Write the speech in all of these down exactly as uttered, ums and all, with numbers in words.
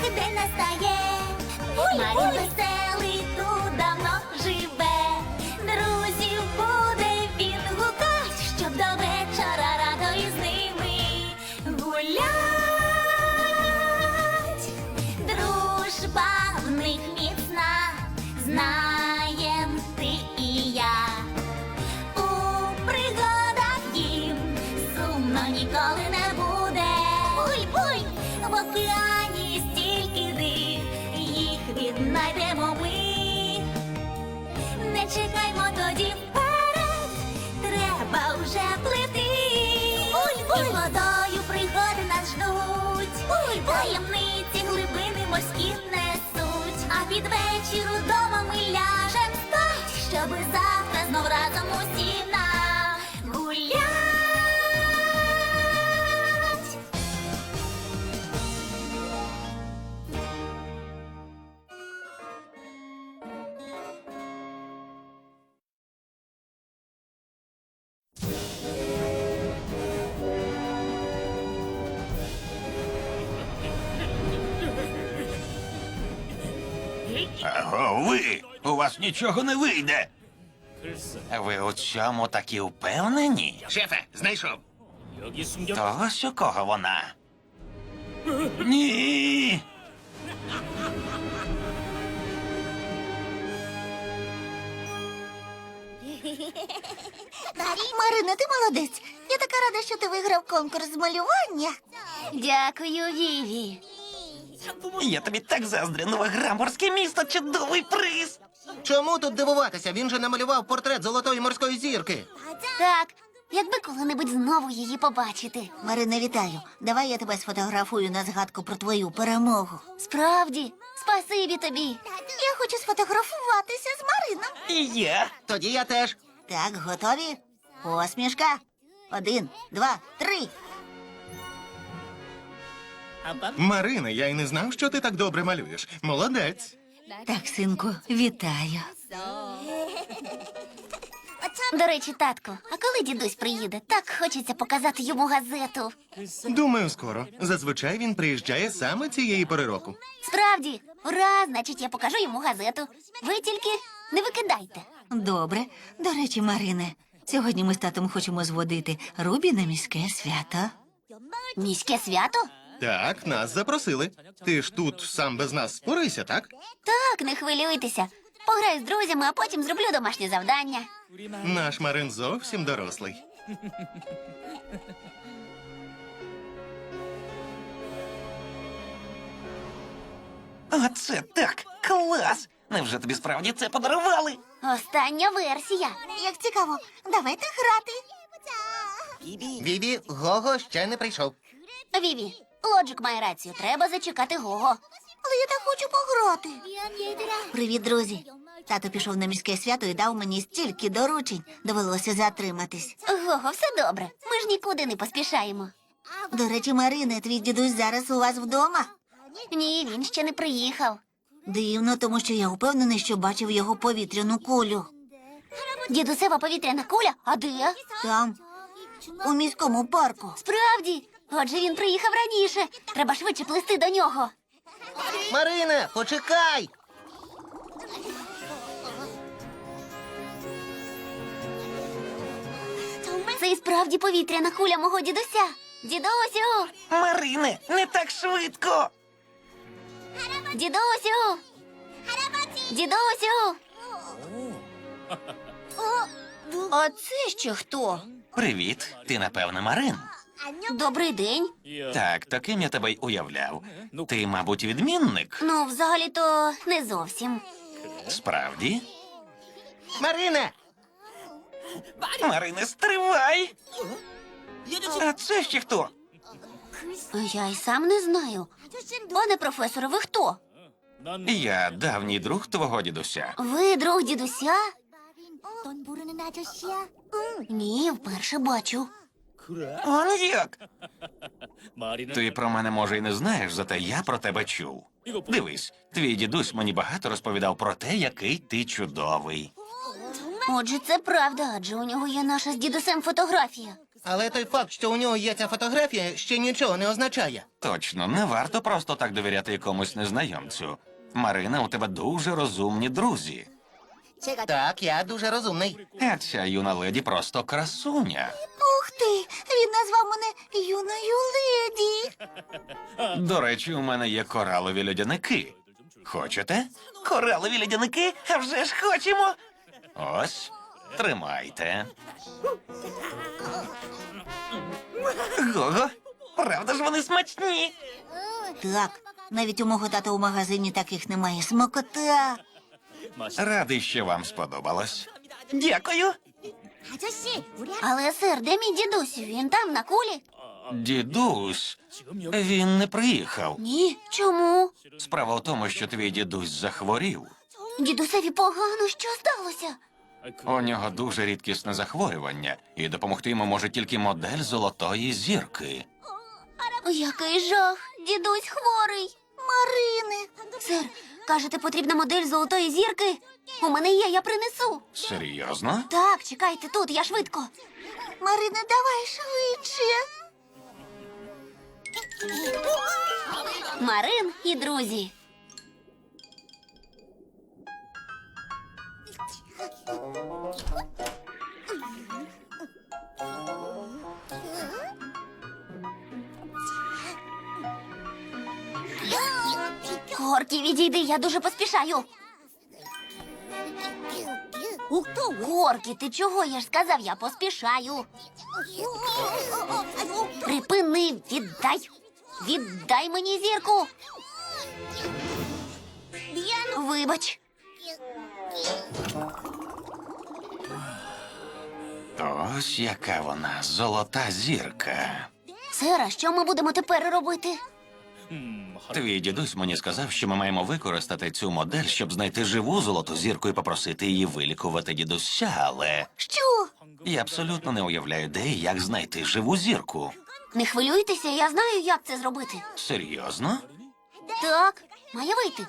день настає. Марін веселий тут давно живе. Друзів буде він гукать, щоб до вечора радо із ними гулять. Дружба в них міцна, знаєм ти і я. У пригадах їм сумно ніколи не буде. Буй-буй! В океані стільки див, їх віднайдемо ми. Не чекаймо тоді вперед, треба вже плити. Буй-буй! І водою пригоди нас ждуть. Буй-буй! Таємниці глибини морські несуть. А під вечір удома ми ляжем спать, щоби завтра знов разом усі нагулять. Аго, ви! У вас нічого не вийде. Ви у цьому такі впевнені? Шефе, знайшов. То ось у кого вона? Ні. Марино, ти молодець. Я така рада, що ти виграв конкурс з малювання. Дякую, Віві. Я тобі так заздрю, нове граморське місто, чудовий приз. Чому тут дивуватися? Він же намалював портрет золотої морської зірки. Так, якби коли-небудь знову її побачити. Марино, вітаю. Давай я тебе сфотографую на згадку про твою перемогу. Справді, спасибі тобі. Я хочу сфотографуватися з Марином. І я. Тоді я теж. Так, готові? Посмішка. Один, два, три. Марина, я й не знав, що ти так добре малюєш. Молодець. Так, синку, вітаю. До речі, татку, а коли дідусь приїде? Так хочеться показати йому газету. Думаю, скоро. Зазвичай він приїжджає саме цієї пори року. Справді, ура, значить, я покажу йому газету. Ви тільки не викидайте. Добре. До речі, Марине, сьогодні ми з татом хочемо зводити Рубі на міське свято. Міське свято? Так, нас запросили. Ти ж тут сам без нас спорися, так? Так, не хвилюйтеся. Пограю з друзями, а потім зроблю домашнє завдання. Наш Марин зовсім дорослий. Оце так, клас! Невже тобі справді це подарували? Остання версія. Як цікаво, давайте грати. Віві, Гого ще не прийшов. Віві, Лоджик має рацію, треба зачекати Гого. Але я так хочу пограти. Привіт, друзі. Тато пішов на міське свято і дав мені стільки доручень. Довелося затриматись. Гого, все добре. Ми ж нікуди не поспішаємо. До речі, Марине, твій дідусь зараз у вас вдома? Ні, він ще не приїхав. Дивно, тому що я впевнений, що бачив його повітряну кулю. Дідусева повітряна куля? А де? Там, у міському парку. Справді? Отже, він приїхав раніше. Треба швидше плисти до нього. Марине, почекай! Це і справді повітряна куля мого дідуся. Дідусю! Марине, не так швидко. Дідусю! Дідусю! А це ще хто? Привіт, ти, напевно, Марин. Добрий день. Так, таким я тебе й уявляв. Ти, мабуть, відмінник? Ну, взагалі-то не зовсім. Справді? Марине! Марине, стривай! А це ще хто? Я й сам не знаю. Пане професоре, ви хто? Я давній друг твого дідуся. Ви друг дідуся? Ні, вперше бачу. Он як? Ти про мене, може, і не знаєш, зате я про тебе чув. Дивись, твій дідусь мені багато розповідав про те, який ти чудовий. Отже, це правда, адже у нього є наша з дідусем фотографія. Але той факт, що у нього є ця фотографія, ще нічого не означає. Точно, не варто просто так довіряти якомусь незнайомцю. Марина, у тебе дуже розумні друзі. Так, я дуже розумний. А ця юна леді просто красуня. Ух ти, він назвав мене юною леді. До речі, у мене є коралові льодяники. Хочете? Коралові льодяники? А вже ж хочемо. Ось, тримайте. Гого, правда ж вони смачні? Так, навіть у мого тата у магазині таких немає. Смакота. Радий, що вам сподобалось. Дякую. Але, сир, де мій дідусь? Він там, на кулі? Дідусь, він не приїхав. Ні. Чому? Справа в тому, що твій дідусь захворів. Дідусеві погано, що сталося? У нього дуже рідкісне захворювання, і допомогти йому може тільки модель золотої зірки. Який жах! Дідусь хворий. Марине. Сир, кажете, потрібна модель золотої зірки? У мене є, я принесу. Серйозно? Так, чекайте тут, я швидко. Марине, давай швидше. Марин і друзі. Горкі, відійди, я дуже поспішаю. Горкі, ти чого? Я ж сказав, я поспішаю. Припини, віддай. Віддай мені зірку. Вибач. Ось яка вона, золота зірка. Сера, що ми будемо тепер робити? Твій дідусь мені сказав, що ми маємо використати цю модель, щоб знайти живу золоту зірку і попросити її вилікувати дідуся, але Що? я абсолютно не уявляю, де і як знайти живу зірку. Не хвилюйтеся, я знаю, як це зробити. Серйозно? Так, має вийти.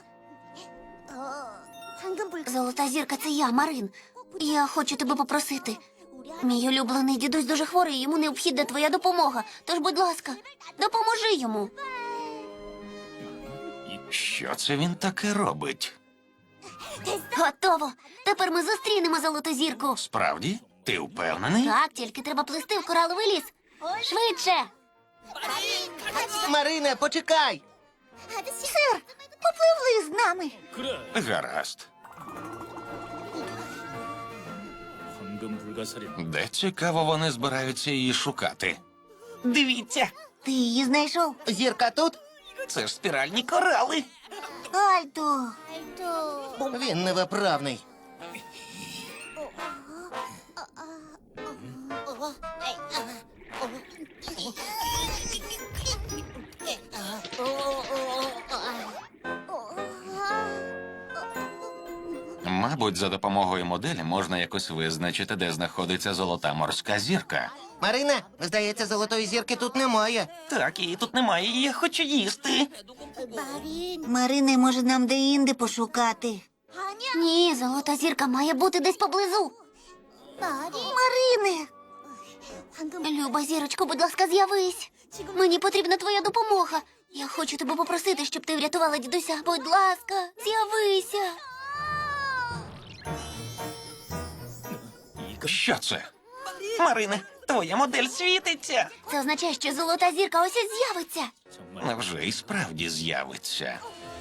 Золота зірка, це я, Марин. Я хочу тебе попросити. Мій улюблений дідусь дуже хворий, йому необхідна твоя допомога. Тож, будь ласка, допоможи йому. Що це він таке робить? Готово. Тепер ми зустрінемо золоту зірку. Справді? Ти впевнений? Так, тільки треба плисти в кораловий ліс. Швидше. Марине, почекай! Сир, попливли з нами. Гаразд. Де цікаво вони збираються її шукати? Дивіться, Ти її знайшов? Зірка тут? це ж спіральні корали. Альто. Він невиправний. Мабуть, за допомогою моделі можна якось визначити, де знаходиться золота морська зірка. Марине, здається, золотої зірки тут немає. Так, її тут немає, і я хочу їсти. Марине, може нам де-інде пошукати? Ні, золота зірка має бути десь поблизу. Марине! Люба зірочко, будь ласка, з'явись. Мені потрібна твоя допомога. Я хочу тебе попросити, щоб ти врятувала дідуся. Будь ласка, з'явися. Що це? Марине, твоя модель світиться. Це означає, що золота зірка ось ось з'явиться. Невже і справді з'явиться?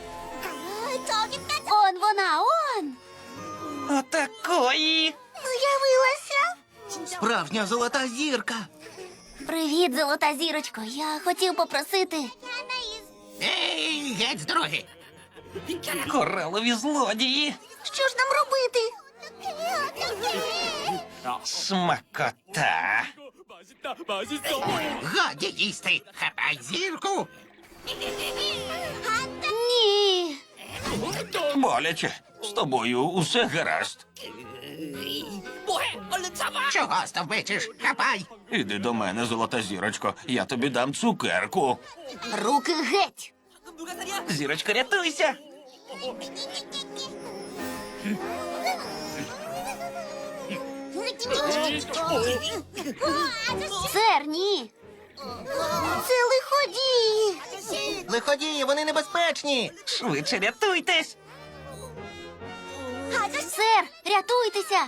Он вона, он! Отакої. З'явилася. Справжня золота зірка. Привіт, золота зірочко. Я хотів попросити. Ей, геть з дороги! Коралові злодії. Що ж нам робити? Смакота. Годі їсти! Хапай зірку! Ні. Боляче. З тобою усе гаразд. Чого стовбичиш? Хапай! Іди до мене, золота зірочко. Я тобі дам цукерку. Руки геть. Зірочка, рятуйся. Сер, ні. Це лиходії. Лиходії, вони небезпечні. Швидше рятуйтесь! Сер, рятуйтеся.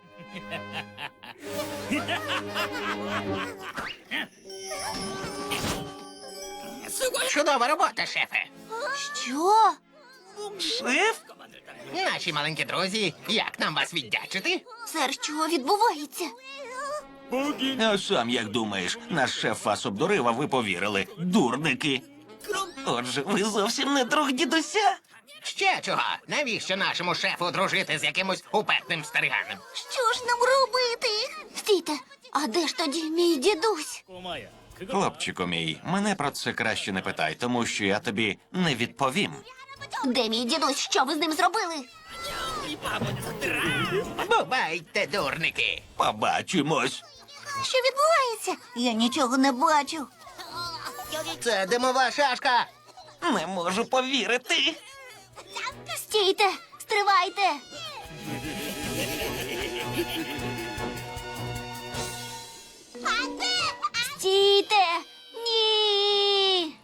Чудова робота, шефе. Що? Шеф? Наші маленькі друзі, як нам вас віддячити? Сер, що відбувається? А сам як думаєш, наш шеф вас обдурив, а ви повірили. Дурники. Отже, ви зовсім не друг дідуся? Ще чого? Навіщо нашому шефу дружити з якимось упертим стариганом? Що ж нам робити? Стійте, а де ж тоді мій дідусь? Хлопчику мій, мене про це краще не питай, тому що я тобі не відповім. Де мій дідусь? Що ви з ним зробили? Бувайте, дурники. Побачимось. Що відбувається? Я нічого не бачу. Це димова шашка. Не можу повірити. Стійте, стривайте. Стійте! Ні!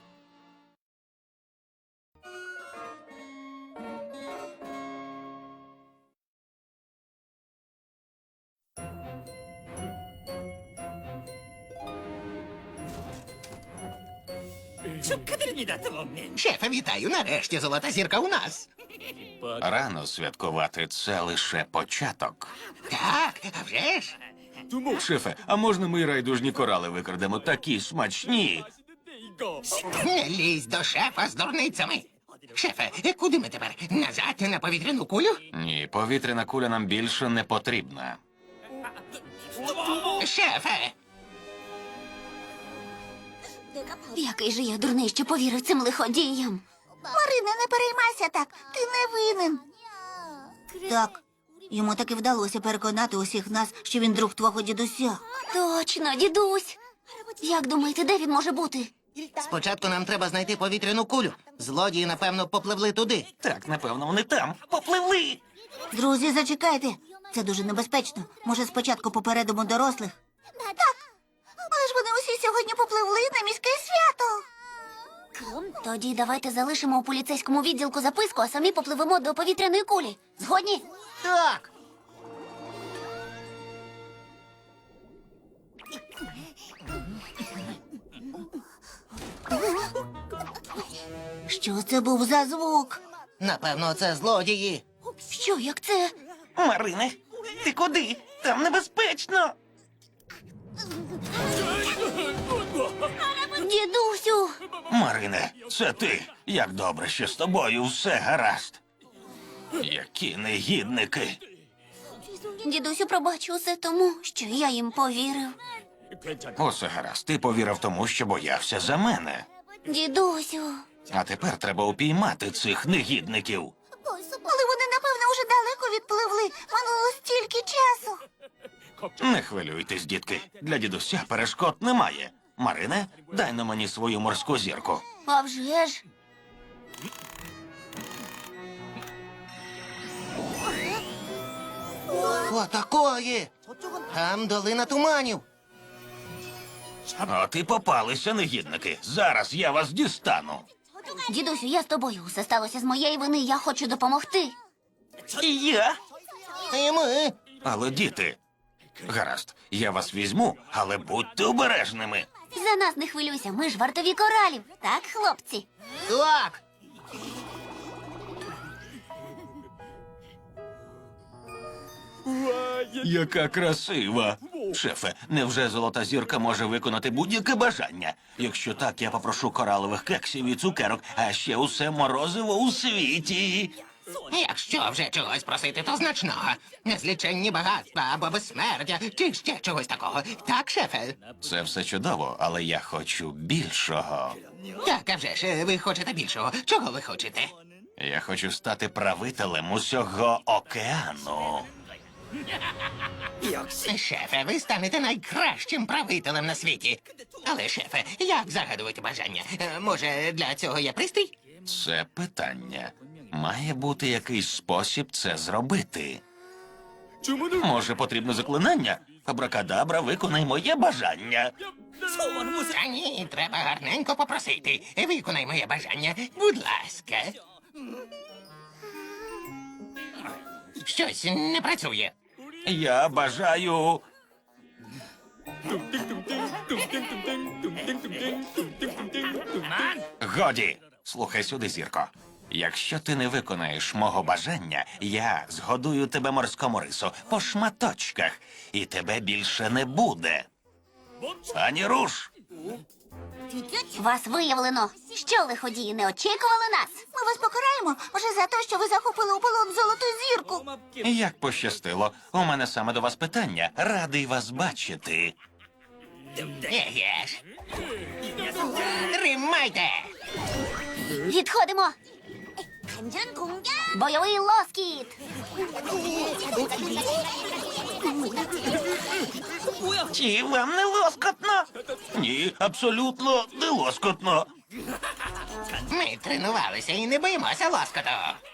Шефе, вітаю. Нарешті золота зірка у нас. Рано святкувати, це лише початок. Так, а вже ж. Шефе, а можна ми райдужні корали викрадемо? Такі смачні. Не лізь до шефа з дурницями. Шефе, куди ми тепер? Назад на повітряну кулю? Ні, повітряна куля нам більше не потрібна. Шефе! Який же я дурний, що повірив цим лиходіям. Марина, не переймайся так. Ти не винен. Так, йому таки вдалося переконати усіх нас, що він друг твого дідуся. Точно, дідусь. Як думаєте, де він може бути? Спочатку нам треба знайти повітряну кулю. Злодії, напевно, попливли туди. Так, напевно, вони там. Попливли. Друзі, зачекайте. Це дуже небезпечно. Може, спочатку попередимо дорослих? Так. Але ж вони усі сьогодні попливли на міське свято. Тоді давайте залишимо у поліцейському відділку записку, а самі попливемо до повітряної кулі. Згодні? Так. Що це був за звук? Напевно, це злодії. Що, як це? Марине, ти куди? Там небезпечно. Дідусю! Марине, це ти. Як добре, що з тобою все гаразд. Які негідники. Дідусю, пробач усе тому, що я їм повірив. Усе гаразд, ти повірив тому, що боявся за мене. Дідусю. А тепер треба упіймати цих негідників. Але вони, напевно, вже далеко відпливли. Минуло стільки часу. Не хвилюйтесь, дітки. Для дідуся перешкод немає. Марине, дай на мені свою морську зірку. А вже ж. Отакої! Там долина туманів. От і попалися негідники. Зараз я вас дістану. Дідусю, я з тобою. Все сталося з моєї вини, я хочу допомогти. І я? І ми. Але діти. Гаразд, я вас візьму, але будьте обережними. За нас не хвилюйся, ми ж вартові коралів. Так, хлопці? Так. Яка красива. Шефе, невже золота зірка може виконати будь-яке бажання? Якщо так, я попрошу коралових кексів і цукерок, а ще усе морозиво у світі. Якщо вже чогось просити, то значного. Незліченні багатства або безсмертя, чи ще чогось такого. Так, шефе? Це все чудово, але я хочу більшого. Так, а вже ж, ви хочете більшого. Чого ви хочете? Я хочу стати правителем усього океану. Шефе, ви станете найкращим правителем на світі. Але, шефе, як загадувати бажання? Е, Може, для цього є пристрій? Це питання. Має бути якийсь спосіб це зробити. Може, потрібне заклинання? Абракадабра, виконай моє бажання. Та ні, треба гарненько попросити. Виконай моє бажання, будь ласка. Щось не працює. Я бажаю. Годі, слухай сюди, зірко. Якщо ти не виконаєш мого бажання, я згодую тебе морському рису по шматочках, і тебе більше не буде. Ані руш! Вас виявлено. Що лиходії не очікували нас? Ми вас покараємо вже за те, що ви захопили у полон золоту зірку. Як пощастило, у мене саме до вас питання. Радий вас бачити. Еге ж. Тримайте! Відходимо. Бойовий лоскіт. Чи вам не лоскотно? Ні, абсолютно не лоскотно. Ми тренувалися і не боїмося лоскоту.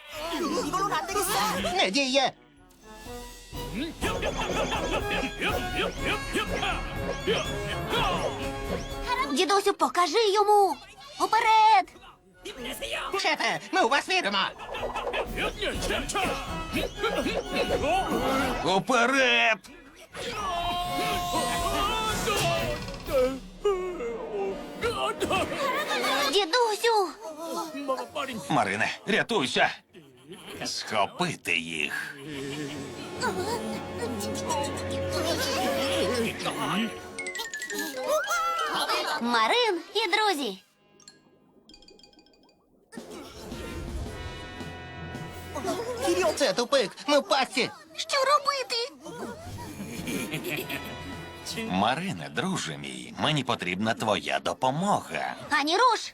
Не діє. Дідусю, покажи йому. Уперед. Шефе, ми у вас віримо. Уперед! Дідусю. Марине, рятуйся! Схопити їх. Марин і друзі. Це тупик, ми в пастці. Що робити? Марине, друже мій, мені потрібна твоя допомога. Ані руш.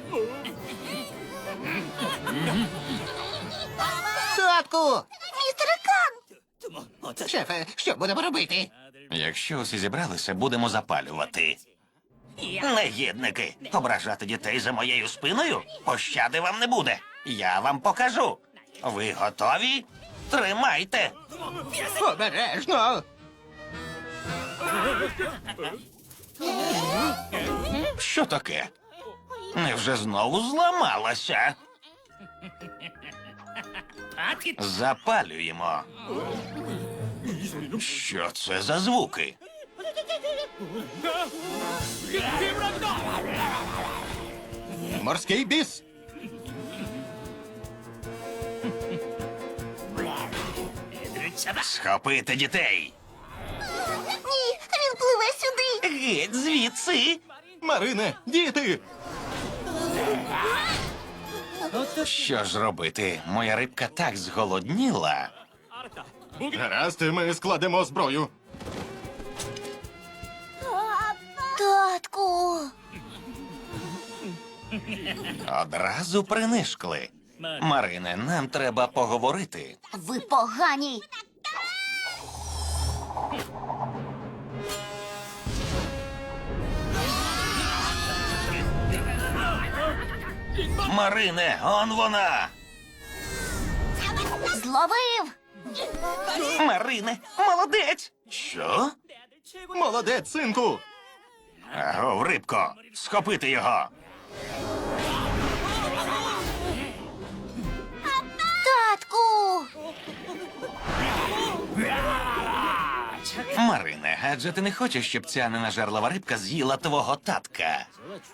Татку! Містере Кан. Шефе, що будемо робити? Якщо усі зібралися, будемо запалювати. Негідники, ображати дітей за моєю спиною? Пощади вам не буде. Я вам покажу. Ви готові? Тримайте. Обережно! Що таке? Невже знову зламалася? Запалюємо. Що це за звуки? Морський біс. Схопити дітей. Ні, він пливе сюди. Геть звідси. Марине, діти! Що ж робити? Моя рибка так зголодніла. Гаразд, ми складемо зброю. Татку. Одразу принишкли. Марине, нам треба поговорити. Ви погані. Марине, он вона. Зловив. Марине, молодець. Що? Молодець, синку! Агов, рибко, схопити його. Татку. Марине, адже ти не хочеш, щоб ця ненажерлива рибка з'їла твого татка.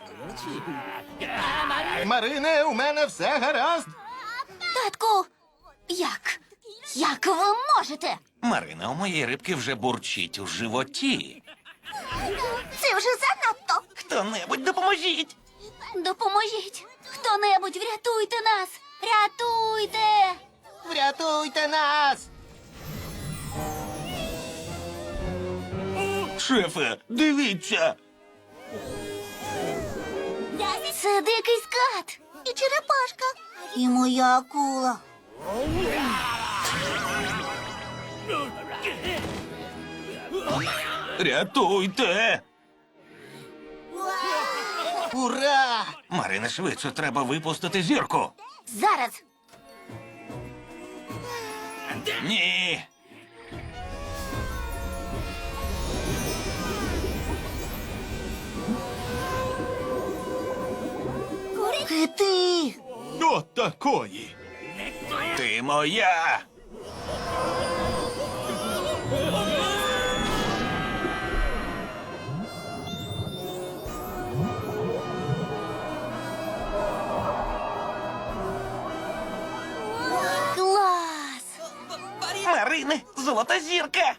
Марине, у мене все гаразд. Татку. Як? Як ви можете? Марине, у моєї рибки вже бурчить у животі. Це вже занадто. Хто-небудь допоможіть. Допоможіть. Хто-небудь, врятуйте нас. Рятуйте. Врятуйте нас! Шефе, дивіться. Це дикий скат. І черепашка. І моя акула. Рятуйте. Ура! Марине, швидше, треба випустити зірку. Зараз. Ні. Ти! До такої. Ти моя! Клас! Марине, золота зірка!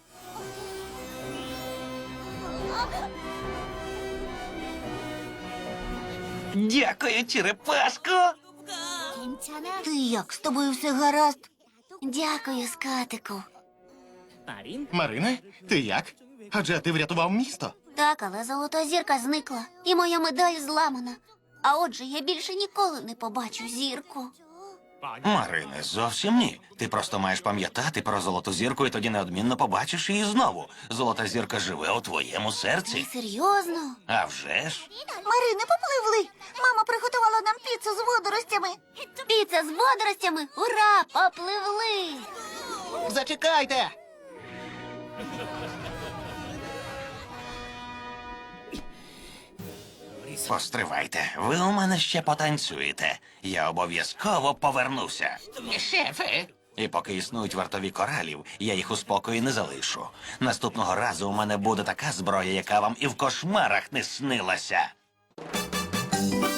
Дякую, черепашко! Ти як? З тобою все гаразд? Дякую, скатику. Марине, ти як? Адже ти врятував місто. Так, але золота зірка зникла, і моя медаль зламана. А отже, я більше ніколи не побачу зірку. Марине, зовсім ні. Ти просто маєш пам'ятати про золоту зірку, і тоді неодмінно побачиш її знову. Золота зірка живе у твоєму серці. Серйозно? А вже ж. Марине, попливли. Мама приготувала нам піцу з водоростями. Піца з водоростями? Ура! Попливли! Зачекайте! Постривайте, ви у мене ще потанцюєте. Я обов'язково повернуся. Шефе, І поки існують вартові коралів, я їх у спокої не залишу. Наступного разу у мене буде така зброя, яка вам і в кошмарах не снилася.